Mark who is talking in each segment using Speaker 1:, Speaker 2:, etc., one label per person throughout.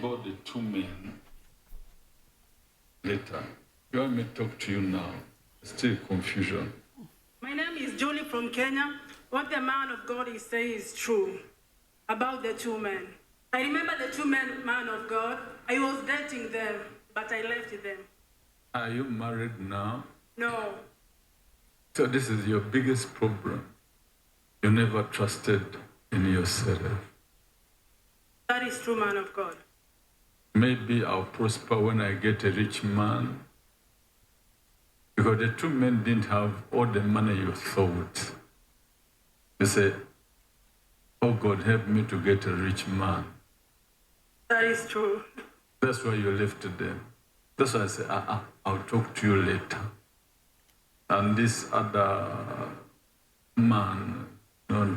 Speaker 1: about the two men later. You want me to talk to you now? Still confusion.
Speaker 2: My name is Julie from Kenya. What the man of God is saying is true about the two men. I remember the two men, man of God. I was dating them, but I left them.
Speaker 1: Are you married now?
Speaker 2: No.
Speaker 1: So this is your biggest problem. You never trusted in yourself.
Speaker 2: That is true, man of God.
Speaker 1: Maybe I'll prosper when I get a rich man. Because the two men didn't have all the money you thought. You say, oh God, help me to get a rich man.
Speaker 2: That is true.
Speaker 1: That's why you left them. That's why I say, I'll talk to you later. And this other man, don't.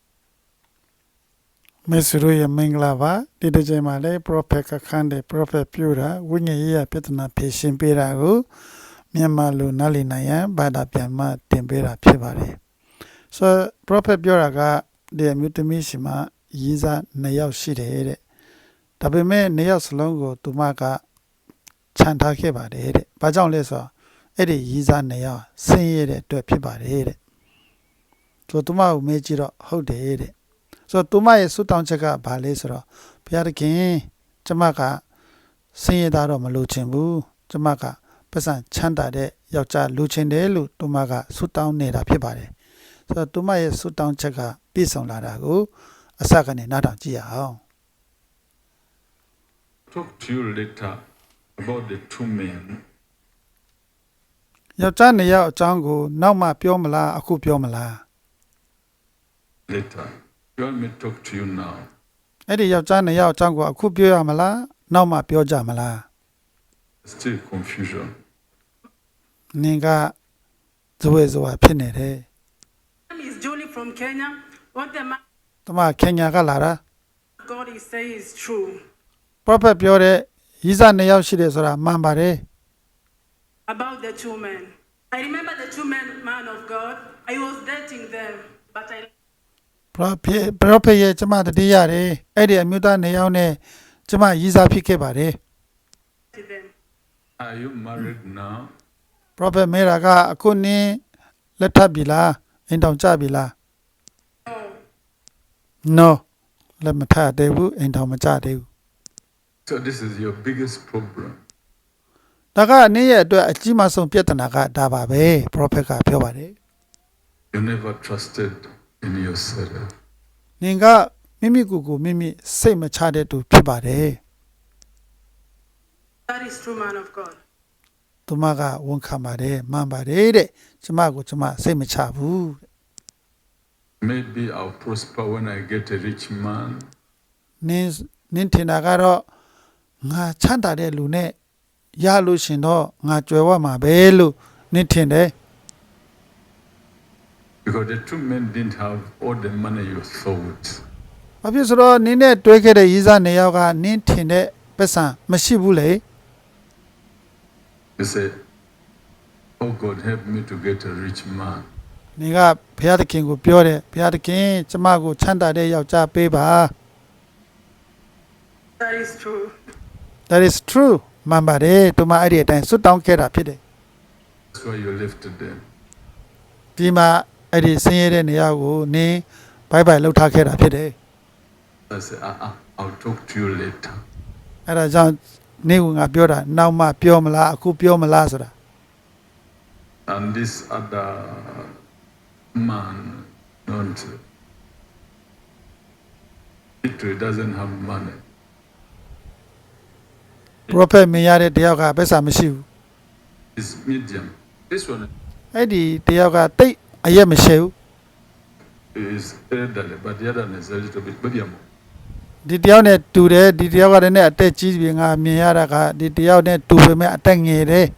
Speaker 3: မေစရိုရဲ့မင်္ဂလာပါဒီတစ်ချိန်မှာလည်း prophet ကခန်းတဲ့ prophet ပြုတာဝိညာဉ်ရေးရပြဿနာဖြေရှင်းပေးတာကိုမြန်မာလူနားလည်နိုင်ရန်ဘာသာပြန်မှတင်ပေးတာဖြစ်ပါတယ်ဆိုတော့ prophet ပြောတာကဒီအမျိုးသမီးရှိမှရေးစား2ယောက်ရှိတယ်တဲ့ဒါပေမဲ့2ယောက်စလုံးကိုသူမကခြံထားခဲ့ပါတယ်တဲ့ဘာကြောင့်လဲဆိုတော့အဲ့ဒီရေးစား2ယောက်ဆင်းရဲတဲ့အတွက်ဖြစ်ပါတယ်တဲ့ဆိုတော့သူမကိုမေးကြည့်တော့ဟုတ်တယ်တဲ့ဆိုတော့သူမရဲ့ဆုတောင်းချက်ကဘာလဲဆိုတော့ဘုရားသခင်ကျမကဆင်းရဲသားတော့မလိုချင်ဘူးကျမကပတ်စံချမ်းသာတဲ့ယောက်ျားလိုချင်တယ်လို့သူမကဆုတောင်းနေတာဖြစ်ပါတယ်ဆိုတော့သူမရဲ့ဆုတောင်းချက်ကပြည့်စုံလာတာကိုအစကနေနားထောင်ကြည့်ရအောင်
Speaker 1: Talk to you later about the two men.
Speaker 3: ယောက်ျား2ယောက်အကြောင်းကိုနောက်မှပြောမလားအခုပြောမလား
Speaker 1: Later. You want me to talk to you now?
Speaker 3: အဲ့ဒီယောက်ျား2ယောက်အကြောင်းကိုအခုပြောရမလားနောက်မှပြောကြမလား
Speaker 1: Still confusion.
Speaker 3: နင်ကဇဝေဇဝါဖြစ်နေတယ်
Speaker 2: My name is Julie from Kenya. What the man
Speaker 3: တမခင်ညာကလာတာ
Speaker 2: of God is saying is true
Speaker 3: prophet ပြောတဲ့ရီးစား2ယောက်ရှိတယ်ဆိုတာမှန်ပါတယ်
Speaker 2: about the two men. I remember the two men, man of God. I was dating them, but I
Speaker 3: prophet ရဲ့ကျမတတိရတယ်အဲ့ဒီအမျိုးသား2ယောက်နဲ့ကျမရီးစားဖြစ်ခဲ့ပါတယ်
Speaker 2: left them.
Speaker 1: Are you married now?
Speaker 3: prophet မေရာကအခုနင်းလက်ထပ်ပြီလားအိမ်တောင်ကြပြီလား
Speaker 2: No.
Speaker 3: no လက်မထပ်သေးဘူးအိမ်တောင်မကြသေးဘူး
Speaker 1: So this is your biggest problem.
Speaker 3: ဒါကအနည်းရဲ့အတွက်အကြီးမားဆုံးပြဿနာကဒါပါပဲ prophet ကပြောပါတယ်
Speaker 1: You never trusted in yourself.
Speaker 3: နင်ကမိမိကိုယ်ကိုမိမိစိတ်မချတဲ့သူဖြစ်ပါတယ်
Speaker 2: That is true, man of God.
Speaker 3: သူမကဝန်ခံပါတယ်မှန်ပါတယ်တဲ့ကျမကိုကျမစိတ်မချဘူး
Speaker 1: Maybe I'll prosper when I get a rich man.
Speaker 3: နင်ထင်တာကတော့ငါချမ်းသာတဲ့လူနဲ့ရလို့ရှင်တော့ငါကြွယ်ဝမှာပဲလို့နင်ထင်တယ်
Speaker 1: Because the two men didn't have all the money you thought.
Speaker 3: ဘာဖြစ်ဆိုတော့နင်းနဲ့တွဲခဲ့တဲ့ရီးစား2ယောက်ကနင်းထင်တဲ့ပတ်စံမရှိဘူးလေ
Speaker 1: You say, oh God, help me to get a rich man.
Speaker 3: နင်ကဘုရားသခင်ကိုပြောတယ်ဘုရားသခင်ကျမကိုချမ်းသာတဲ့ယောက်ျားပေးပါ
Speaker 2: That is true.
Speaker 3: that is true မှန်ပါတယ်သူမအဲ့ဒီအတိုင်းစွတ်တောင်းခဲ့တာဖြစ်တယ်
Speaker 1: That's why you left them.
Speaker 3: ဒီမှာအဲ့ဒီဆင်းရဲတဲ့နေရာကိုနင်းဘိုင်ဘိုင်လှုပ်ထားခဲ့တာဖြစ်တယ်
Speaker 1: I say, I'll talk to you later.
Speaker 3: အဲ့ဒါကြောင့်နင်းကငါပြောတာနောက်မှပြောမလားအခုပြောမလားဆိုတာ
Speaker 1: And this other man, don't. He doesn't have money.
Speaker 3: prophet မြင်ရတဲ့တယောက်ကဘက်စာမရှိဘူး
Speaker 1: It's medium. This one
Speaker 3: အဲ့ဒီတယောက်ကတိတ်အရက်မရှိဘူး
Speaker 1: is elderly, but the other one is a little bit baby.
Speaker 3: ဒီတယောက်နဲ့တူတယ်ဒီတယောက်ကလည်းအသက်ကြီးပြီငါမြင်ရတာကဒီတယောက်နဲ့တူပေမဲ့အသက်ငယ်တယ်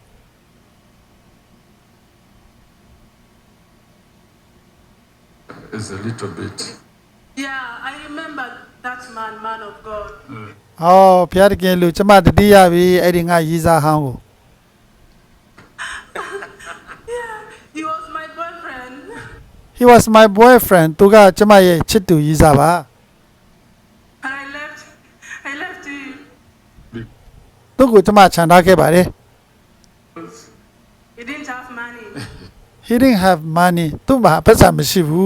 Speaker 1: It's a little bit.
Speaker 2: Yeah, I remember that man of God.
Speaker 3: ဟောဘုရားသခင်လူကျမတတိယပြီအဲ့ဒီငါရီးစားဟောင်းကို
Speaker 2: Yeah, he was my boyfriend.
Speaker 3: he was my boyfriend သူကကျမရဲ့ချစ်သူရီးစားပါ
Speaker 2: And I left him.
Speaker 3: သူ့ကိုကျမချန်ထားခဲ့ပါတယ်
Speaker 1: because
Speaker 2: He didn't have money.
Speaker 3: he didn't have money သူ့မှာပတ်စံမရှိဘူး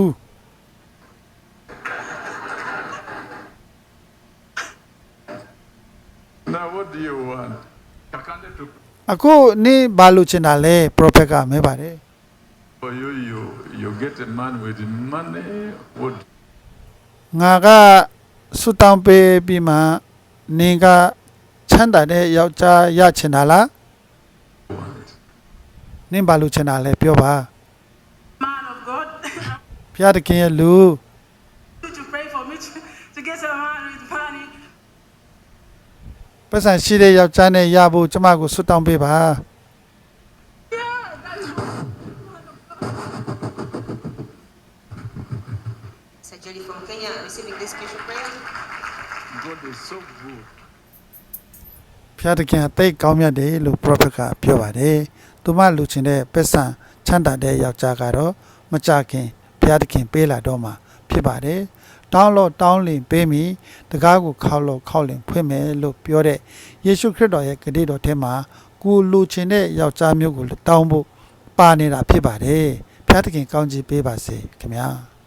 Speaker 1: now what do you want? Kakande to
Speaker 3: အခုနင်းဘာလို့ချင်တာလဲ prophet ကမဲပါတယ်
Speaker 1: for you, you get a man with money. What
Speaker 3: ငါကဆူတောင်းပေးပြီးမှနင်းကချမ်းသာတဲ့ယောက်ျားရချင်တာလား
Speaker 1: do you want?
Speaker 3: နင်းဘာလို့ချင်တာလဲပြောပါ
Speaker 2: Man of God,
Speaker 3: ဖျားတခင်ရဲ့လူ
Speaker 2: to pray for me to get a man with money.
Speaker 3: ပတ်စံရှိတဲ့ယောက်ျားနဲ့ရဖို့ကျမကိုဆူတောင်းပေးပါ
Speaker 4: Sister Julie from Kenya receiving this special prayer.
Speaker 1: God is so good.
Speaker 3: ဖျားတခင်အသိကောင်းမြတ်တယ်လို့ prophet ကပြောပါတယ်သူမလူချင်တဲ့ပတ်စံချမ်းသာတဲ့ယောက်ျားကတော့မကြခင်ဖျားတခင်ပေးလာတော့မှာဖြစ်ပါတယ်တောင်းလို့တောင်းလင်ပေးမိတကားကိုခောက်လို့ခောက်လင်ဖွင့်မယ်လို့ပြောတဲ့ယေရှုခရစ်တော်ရဲ့ဂတိတော်ထဲမှာကိုလူချင်တဲ့ယောက်ျားမျိုးကိုတောင်းဖို့ပါနေတာဖြစ်ပါတယ်ဖျားတခင်ကောင်းချီးပေးပါစေခင်ဗျာ